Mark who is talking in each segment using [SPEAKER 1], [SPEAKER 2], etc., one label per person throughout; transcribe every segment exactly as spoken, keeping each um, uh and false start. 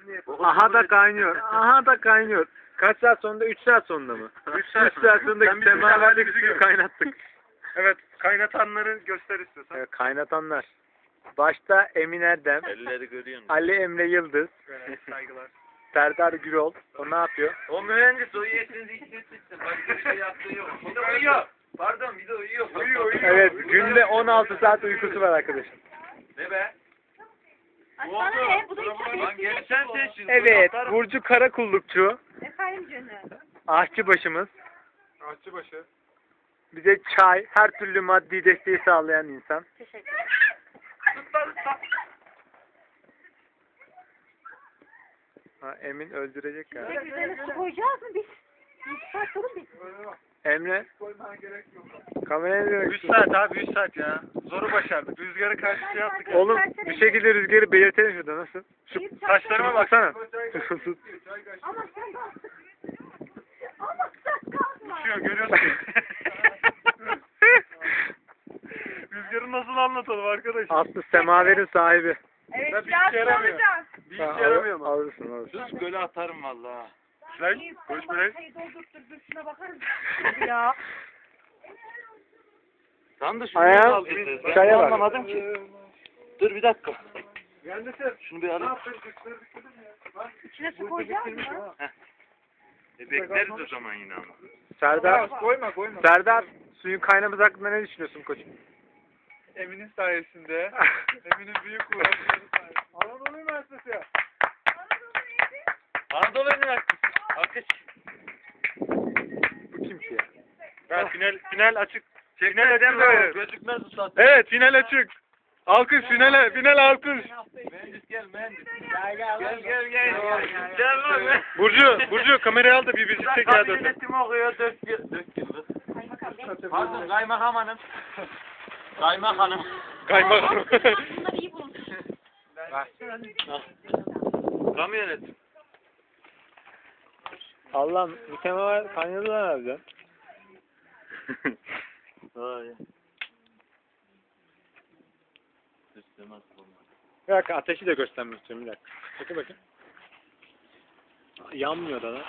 [SPEAKER 1] Aha da kaynıyor. Aha da kaynıyor. Kaç saat sonunda? üç saat sonunda mı?
[SPEAKER 2] üç saat,
[SPEAKER 1] üç saat sonunda
[SPEAKER 2] Sen bir
[SPEAKER 1] semaverlik
[SPEAKER 2] bizi
[SPEAKER 1] suyu
[SPEAKER 2] gör.
[SPEAKER 1] kaynattık.
[SPEAKER 2] Evet, kaynatanları göster istiyorsan.
[SPEAKER 1] Evet, kaynatanlar. Başta Emin Erdem,
[SPEAKER 3] Elleri görüyorsun.
[SPEAKER 1] Ali Emre Yıldız,
[SPEAKER 2] Evet, saygılar.
[SPEAKER 1] Serdar Gürol. O ne yapıyor?
[SPEAKER 3] O mühendis o yetinizi hissetmişsin. Başka bir şey yaptığı yok. Bir de uyuyor. Pardon bir de uyuyor.
[SPEAKER 2] Uyuyor, uyuyor.
[SPEAKER 1] Evet, günde on altı saat uykusu var arkadaşım.
[SPEAKER 3] Ne be?
[SPEAKER 4] Ay sana ne? Bu da iki
[SPEAKER 3] Lan gelsen sen şimdi.
[SPEAKER 1] Evet,
[SPEAKER 3] Atarım.
[SPEAKER 1] Burcu Karakullukçu,
[SPEAKER 4] Efendim canım.
[SPEAKER 1] aşçıbaşımız.
[SPEAKER 2] Aşçıbaşı.
[SPEAKER 1] Bize çay, her türlü maddi desteği sağlayan insan.
[SPEAKER 4] Teşekkür ederim.
[SPEAKER 1] Ha, Emin öldürecek galiba.
[SPEAKER 4] Peki üzerine su koyacağız mı biz? Bir saat sorun biz.
[SPEAKER 1] Emre, kameraya
[SPEAKER 2] üç saat abi, üç saat ya. Zoru başardık. Rüzgarı karşı şey yaptık. ya.
[SPEAKER 1] Oğlum bir şekilde rüzgarı belirtelim şurada, nasıl? Şu
[SPEAKER 2] Taşlarıma bak.
[SPEAKER 1] baksana.
[SPEAKER 4] Ama sen de Ama sen kalkma.
[SPEAKER 2] Uçuyor, görüyorsun. Rüzgarı nasıl anlatalım arkadaşlar?
[SPEAKER 1] Aslı semaverin sahibi.
[SPEAKER 4] Evet,
[SPEAKER 2] Ben bir
[SPEAKER 4] biraz
[SPEAKER 2] işe yaramıyor.
[SPEAKER 4] soracağım.
[SPEAKER 2] Bir
[SPEAKER 1] Ha,
[SPEAKER 2] işe yaramıyor mu?
[SPEAKER 1] Alırsın alırsın.
[SPEAKER 3] Sus göle atarım valla.
[SPEAKER 2] Lan, koş buraya.
[SPEAKER 4] Çayı doldurttur, dur şuna bakar mısın? Ya.
[SPEAKER 3] Sen de şunu
[SPEAKER 1] Ayağım,
[SPEAKER 3] kaldırdın. Ben
[SPEAKER 1] çaya bak.
[SPEAKER 3] anlamadım ki. Dur bir dakika.
[SPEAKER 2] Mühendisler.
[SPEAKER 3] Şunu bir alayım.
[SPEAKER 4] İçine su koyacağız mı?
[SPEAKER 3] E, bekleriz o zaman yine ama.
[SPEAKER 1] Serdar,
[SPEAKER 2] Koyma, koyma.
[SPEAKER 1] Serdar, suyun kaynaması hakkında ne düşünüyorsun koçum?
[SPEAKER 2] Emin'in sayesinde. Emin'in büyük uğraşları sayesinde. Anadolu Üniversitesi ya.
[SPEAKER 3] Anadolu Üniversitesi. Alkış.
[SPEAKER 1] Bu kim ki ya?
[SPEAKER 2] Ben final, final açık.
[SPEAKER 3] Final edemem.
[SPEAKER 2] Evet.
[SPEAKER 3] Gözükmez usta.
[SPEAKER 2] Evet, final açık. Alkış, finale, final alkış.
[SPEAKER 3] Mühendis gel mühendis. Gel gel gel. Gel Gel lan.
[SPEAKER 2] Burcu, Burcu kamerayı al da bir bizi çek ya.
[SPEAKER 3] Kabin yönetimi okuyor dört yıl. Dört yıldır. Pardon kaymakam hanım. Kaymakam.
[SPEAKER 2] Kaymakam.
[SPEAKER 4] Bunları iyi bulun.
[SPEAKER 3] Kamu yönetim.
[SPEAKER 1] Allah'ım bu semaver kaynadı lan harbiden.
[SPEAKER 3] Vay. Sistemaz olmaz.
[SPEAKER 1] Bir dakika ateşi de göstermek istiyorum bir dakika. Bakın bakın. Yanmıyor da lan.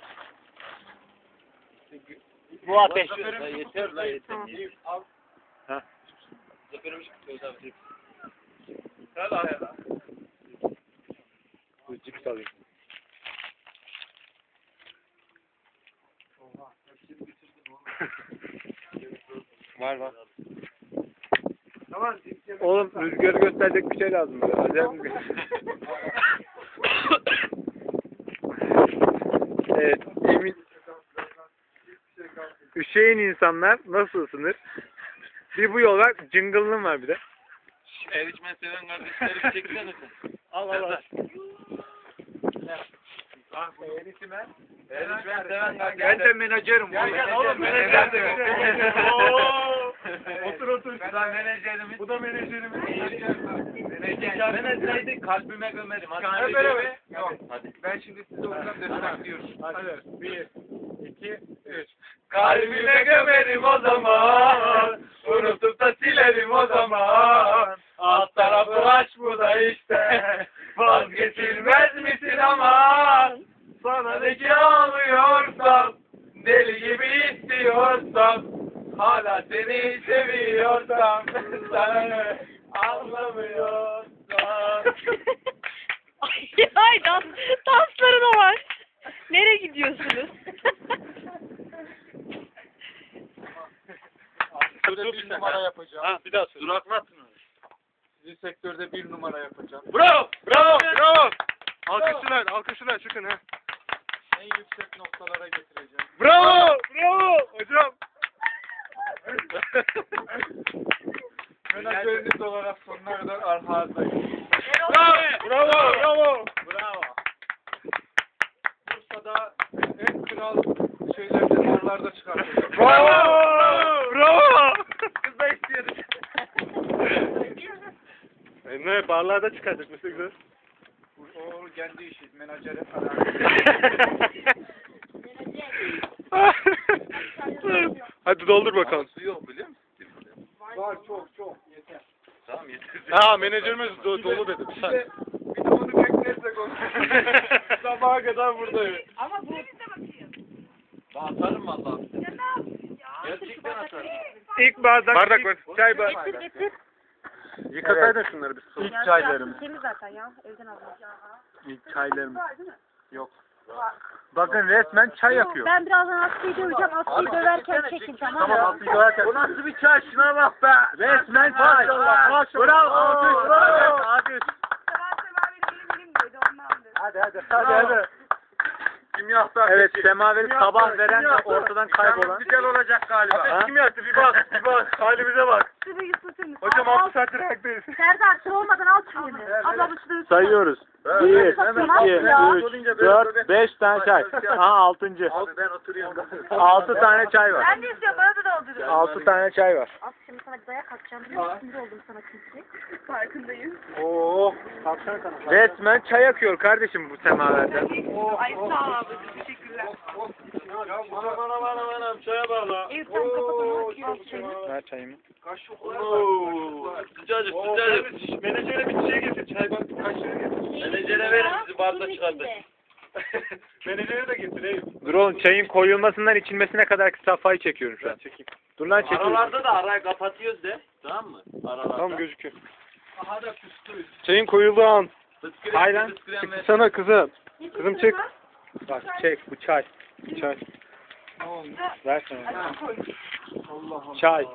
[SPEAKER 3] Bu ateş. La yeter la yeter.
[SPEAKER 1] Ha. Bu cips alayım.
[SPEAKER 2] Var var.
[SPEAKER 1] Oğlum rüzgarı gösterecek bir şey lazım. Böyle. Acayip rüzgar. Evet, Emin. Üşüyen insanlar nasıl ısınır? Bir bu yol var, cıngılın var bir de.
[SPEAKER 3] Erişmen seven kardeşlerim çeksene sen.
[SPEAKER 1] Al al al.
[SPEAKER 3] Erişmen seven kardeşlerim.
[SPEAKER 2] Ben de menajerim.
[SPEAKER 3] Gel gel oğlum menajer de.
[SPEAKER 2] Otur otur.
[SPEAKER 3] Bu da menajerimiz.
[SPEAKER 2] Bu da menajerimiz.
[SPEAKER 3] Menajer. Menajerdi kalbime gömerim. Hadi.
[SPEAKER 2] Hep beraber. Yok.
[SPEAKER 3] Hadi.
[SPEAKER 2] Ben şimdi size oradan destekliyorum. Hadi. Bir, iki, üç.
[SPEAKER 3] Kalbime gömerim o zaman. Unutup da silerim o zaman. Alt tarafı aç bu da işte. Vazgeçilmez misin aman? Sana ne ki ağlıyorsam, deli gibi istiyorsam, hala seni seviyorsam, sana ne anlamıyorsam.
[SPEAKER 4] Ay, ay dans, dansları da var. Nereye gidiyorsunuz?
[SPEAKER 2] Sektörde bir numara yapacağım.
[SPEAKER 3] Ha bir daha söyle. Duraklatın.
[SPEAKER 2] Sizi sektörde bir numara yapacağım.
[SPEAKER 3] Bravo!
[SPEAKER 2] Bravo! Bravo! Alkışlar, alkışlar çıkın ha. En yüksek noktalara getireceğim. Bravo! Bravo! Hocam. Menajeriniz olarak sonuna kadar arkanızdayım. Bravo! Bravo! Bravo!
[SPEAKER 3] Bravo!
[SPEAKER 2] Bursa'da en kral şeylerde, barlarda çıkartacağım.
[SPEAKER 1] Bravo!
[SPEAKER 2] Bravo!
[SPEAKER 3] Kız da istiyoruz.
[SPEAKER 1] E ne barlarda çıkardık mesela güzel.
[SPEAKER 2] O kendi işi, menajeri falan.
[SPEAKER 1] Hadi doldur bakalım.
[SPEAKER 3] Su yok biliyor musun?
[SPEAKER 2] Var çok çok yeter.
[SPEAKER 3] Tamam yeter.
[SPEAKER 1] Ha menajerimiz do dolu dedi.
[SPEAKER 2] Bir de, bir de onu bekle. neyse konuş. Sabaha kadar buradayım.
[SPEAKER 4] Ama bu...
[SPEAKER 3] Ben atarım valla. Gerçekten atarım.
[SPEAKER 1] İlk bardak,
[SPEAKER 2] Bardak
[SPEAKER 1] ilk
[SPEAKER 2] var.
[SPEAKER 1] çay
[SPEAKER 4] Getir
[SPEAKER 1] bardağı.
[SPEAKER 4] getir.
[SPEAKER 2] Yıkasaydın şunları bir su.
[SPEAKER 5] İlk çaylarımız.
[SPEAKER 4] Temiz zaten ya. Evden aldım.
[SPEAKER 5] İlk çaylarımız.
[SPEAKER 4] Var değil mi?
[SPEAKER 5] Yok. Bakın resmen çay yapıyor.
[SPEAKER 4] Ben birazdan Aslı'yı döveceğim. Aslı'yı döverken çekin tamam mı?
[SPEAKER 5] Tamam Aslı döverken.
[SPEAKER 3] Bu nasıl bir çay? Şuna bak be.
[SPEAKER 5] Resmen çay.
[SPEAKER 2] Maşallah, maşallah.
[SPEAKER 5] Bravo. Alkış. Bravo. Alkış.
[SPEAKER 2] Hadi hadi. Hadi hadi.
[SPEAKER 3] Kimyasal.
[SPEAKER 5] Evet semaveri sabah veren de
[SPEAKER 2] kimyasal.
[SPEAKER 5] ortadan kaybolan.
[SPEAKER 3] Güzel olacak galiba.
[SPEAKER 2] Ateş kim yaktı? Bir bak. Bir bak. Halimize bak.
[SPEAKER 4] Şurayı ısıtır mısın?
[SPEAKER 2] Hocam
[SPEAKER 4] Al,
[SPEAKER 2] altı saattir ayaktayız.
[SPEAKER 4] Serdar sıra olmadan al çayını. Abla bu şurayı ısıtır.
[SPEAKER 5] Sayıyoruz.
[SPEAKER 2] Evet,
[SPEAKER 5] bir,
[SPEAKER 2] evet,
[SPEAKER 5] iki,
[SPEAKER 2] evet.
[SPEAKER 5] üç, dört, beş tane çay. Ha altıncı.
[SPEAKER 3] Abi ben oturuyorum.
[SPEAKER 5] Altı tane çay var.
[SPEAKER 4] Ben de istiyorum bana da dolduruyor.
[SPEAKER 5] Altı tane çay var.
[SPEAKER 4] Aslı şimdi sana bir dayak atacağım. Biliyor musun? Sinir oldum sana çünkü. Farkındayım.
[SPEAKER 2] Oo. Kalksana kana.
[SPEAKER 5] Resmen çay akıyor kardeşim bu semaverden.
[SPEAKER 4] Ay sağ ol abla. Teşekkürler.
[SPEAKER 2] Ya bana bana bana bana çaya bağla.
[SPEAKER 4] Eyüp sen kapat onu. Al çayını.
[SPEAKER 5] Ver çayımı.
[SPEAKER 2] Oo.
[SPEAKER 3] Sıcacık
[SPEAKER 2] Oo.
[SPEAKER 3] sıcacık.
[SPEAKER 2] Menajere bir şey getir. Çay bak. Kaşığı getir.
[SPEAKER 3] Menajere verin sizi barda çıkardı.
[SPEAKER 2] Menajere de getir Eyüp.
[SPEAKER 5] Dur oğlum çayın koyulmasından içilmesine kadar safhayı çekiyorum şu an.
[SPEAKER 2] Çekeyim.
[SPEAKER 5] Dur lan çekiyorum.
[SPEAKER 3] Aralarda da arayı kapatıyoruz de. Tamam mı? Aralarda.
[SPEAKER 2] Tamam gözüküyor.
[SPEAKER 3] Aha da küstü.
[SPEAKER 2] Çayın koyulduğu an.
[SPEAKER 3] Fıskırem,
[SPEAKER 5] Aynen.
[SPEAKER 3] fıskırem ver.
[SPEAKER 2] Sana kızım. Kızım çek.
[SPEAKER 5] Bak çek bu çay.
[SPEAKER 2] Çay.
[SPEAKER 5] Ver sana. Çay.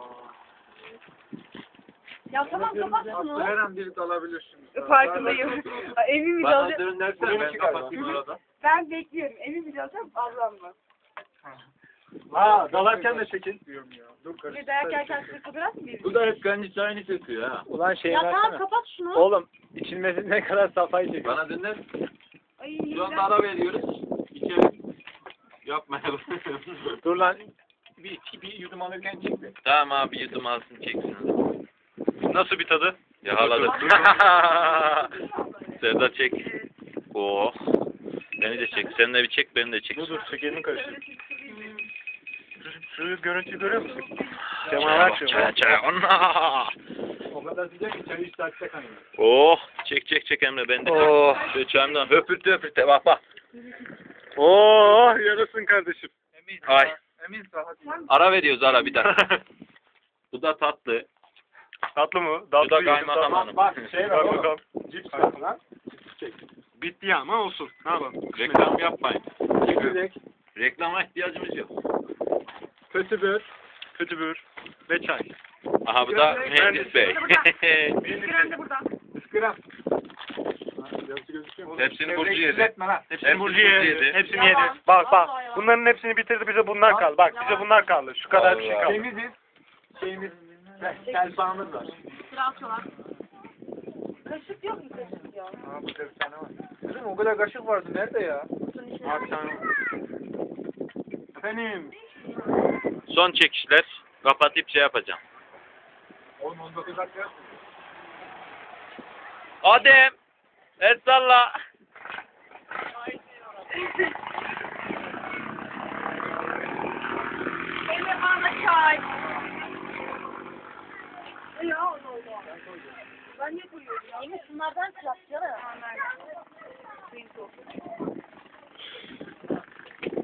[SPEAKER 4] Ya tamam kapat şunu.
[SPEAKER 2] Her an biri dalabilirsin.
[SPEAKER 4] Farkındayım. Evimi
[SPEAKER 3] Bana
[SPEAKER 4] alacağım.
[SPEAKER 3] dönlersen ben
[SPEAKER 2] Benimki
[SPEAKER 3] kapatayım
[SPEAKER 2] galiba.
[SPEAKER 3] arada.
[SPEAKER 4] Ben bekliyorum. Evimi alacağım ablamla.
[SPEAKER 2] Ha dalarken de çekin. Diyorum ya. Dur
[SPEAKER 4] Bir
[SPEAKER 2] karıştır.
[SPEAKER 4] dayak yerken size fotoğraf mı
[SPEAKER 3] Bu da hep kendi çayını çekiyor ha.
[SPEAKER 5] Ulan şeyi
[SPEAKER 4] Ya tamam
[SPEAKER 5] versene.
[SPEAKER 4] kapat şunu.
[SPEAKER 5] Oğlum içilmesine kadar safhayı çekiyor.
[SPEAKER 3] Bana döner.
[SPEAKER 4] Ay,
[SPEAKER 3] Şu anda ara veriyoruz. İçelim. Yapmayalım.
[SPEAKER 5] Dur lan. Bir, iki, bir yudum alırken çek bir.
[SPEAKER 3] Tamam abi yudum alsın çeksin.
[SPEAKER 2] Nasıl bir tadı?
[SPEAKER 3] Yakaladık. Serdar çek. Oo. Beni de çek. Sen de bir çek, beni de çek.
[SPEAKER 2] Dur dur şekerini karıştır. Şu görüntüyü görüyor musun?
[SPEAKER 3] Çaya
[SPEAKER 2] Semaver
[SPEAKER 3] bak,
[SPEAKER 2] çayı.
[SPEAKER 3] çaya çaya. Anna.
[SPEAKER 2] O kadar sıcak ki çayı işte açacak hani.
[SPEAKER 3] Oh. Çek çek çek Emre ben de.
[SPEAKER 2] Oh.
[SPEAKER 3] Şu çayımdan höpürte höpürte bak bak.
[SPEAKER 2] Oh yarasın kardeşim.
[SPEAKER 3] Ay.
[SPEAKER 2] Emin rahat.
[SPEAKER 3] Ara veriyoruz ara bir dakika. Bu da tatlı.
[SPEAKER 2] Tatlı mı?
[SPEAKER 3] Bu da kaymakam hanım.
[SPEAKER 5] Bak şey var
[SPEAKER 2] Bak
[SPEAKER 5] oğlum.
[SPEAKER 2] bakalım.
[SPEAKER 5] Cips var lan.
[SPEAKER 2] Bitti ya ama olsun. Ne yapalım?
[SPEAKER 3] Reklam yapmayın.
[SPEAKER 5] Çekirdek.
[SPEAKER 3] Reklama ihtiyacımız yok.
[SPEAKER 5] Kötübür.
[SPEAKER 2] Kötübür ve çay.
[SPEAKER 3] Aha bu da Mühendis Bey.
[SPEAKER 4] Krem de burada.
[SPEAKER 5] Iskıram. Yazısı gözüküyor mu?
[SPEAKER 3] Hepsini Burcu yedi.
[SPEAKER 5] Etme lan.
[SPEAKER 2] Hepsini Burcu yedi. Hepsini yedi.
[SPEAKER 4] Yalan.
[SPEAKER 2] Bak bak.
[SPEAKER 4] Vallahi yalan.
[SPEAKER 2] Bunların hepsini bitirdi bize bunlar kaldı. Bak bize bunlar kaldı. Şu kadar bir şey
[SPEAKER 3] Allah.
[SPEAKER 2] kaldı.
[SPEAKER 5] Temiziz. Şeyimiz. Selfağımız var.
[SPEAKER 4] Sıra atıyorlar. Kaşık yok mu kaşık ya?
[SPEAKER 5] Aa burada bir tane var. Kızım o kadar kaşık vardı. Nerede ya?
[SPEAKER 4] Kutunun içine.
[SPEAKER 2] Abi sen. Efendim.
[SPEAKER 3] Son çekişler. Kapatıp şey yapacağım.
[SPEAKER 5] on on dokuz dakika.
[SPEAKER 3] Adem. El salla.
[SPEAKER 4] Emre bana çay. Ya ne oldu? Ben niye koyuyorum ya? Emre şunlardan çarpacağım.